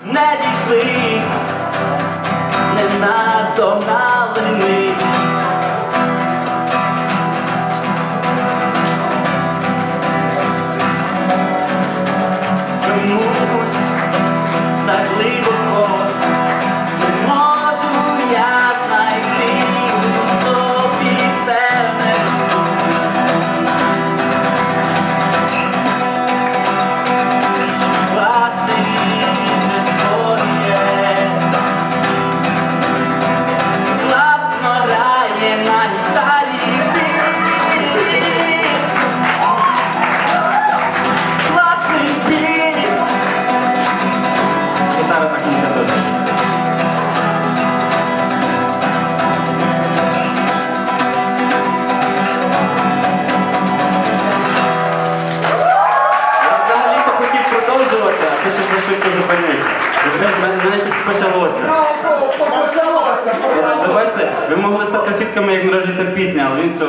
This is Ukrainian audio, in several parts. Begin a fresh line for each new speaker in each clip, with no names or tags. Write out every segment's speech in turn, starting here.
не дійшли, не наздогнали ми. Чомусь так глибоко не можу я знайти у собі тебе.
Ти ще швидко зупинився. Мене тільки почалося. Ви бачите, ви могли стати свідками, як народжується пісня, але він все...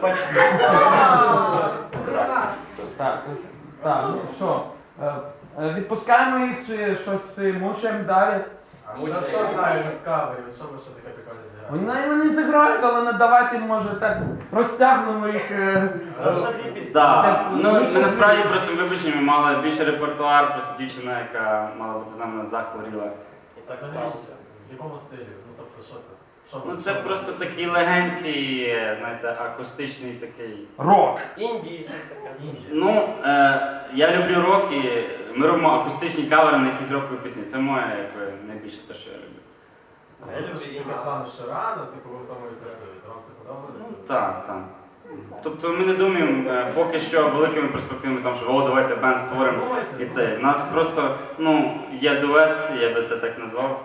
Так, ну що, відпускаємо їх чи щось мучаємо далі?
Що знаю, не з кавері, що ви що таке прикольне зіграли?
Вони не зіграють, але не давайте, може, так розтягнемо їх.
Так, ну ми насправді просто вибачені, ми мали більше репертуар, просто дівчина, яка мала бути з нами захворіла.
Так взагалі, в якому стилі? Ну тобто, що це?
Ну це просто такий легенький, знаєте, акустичний такий...
Рок!
Інді.
Ну, я люблю рок і ми робимо акустичні кавери на якісь рокові пісні. Це моє, якби, найбільше те, що я люблю.
Я люблю плану Ширана, типу ви в тому і працюєте. Вам це подобається?
Ну так, так. Тобто ми не думаємо поки що великими перспективами, тому що давайте бенд створимо і це. У нас просто, ну, є дует, я би це так назвав.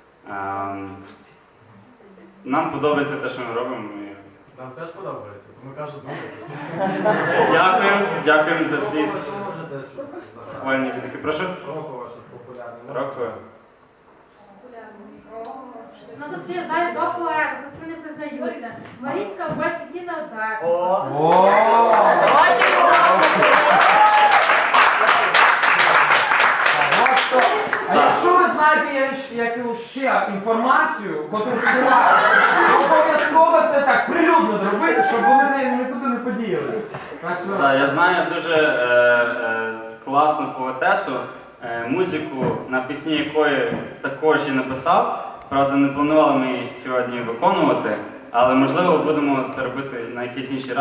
Нам подобається те, що ми робимо.
Нам теж подобається, тому кажу, думайте.
Дякуємо за всі схвальні відгуки. Прошу?
Року вашу популярну.
Року.
Ну тут ще, знаєш, два поети, просто не признаються. Марічка, Бать, Тіна, так.
А якщо ви знаєте якусь ще інформацію, котру скривають, то обов'язково це так прилюдно робити, щоб вони нікуди не подіяли.
Так, я знаю дуже класну поетесу, музику, на пісні якої також і написав. Правда, не планували ми її сьогодні виконувати, але можливо будемо це робити на якийсь інший раз.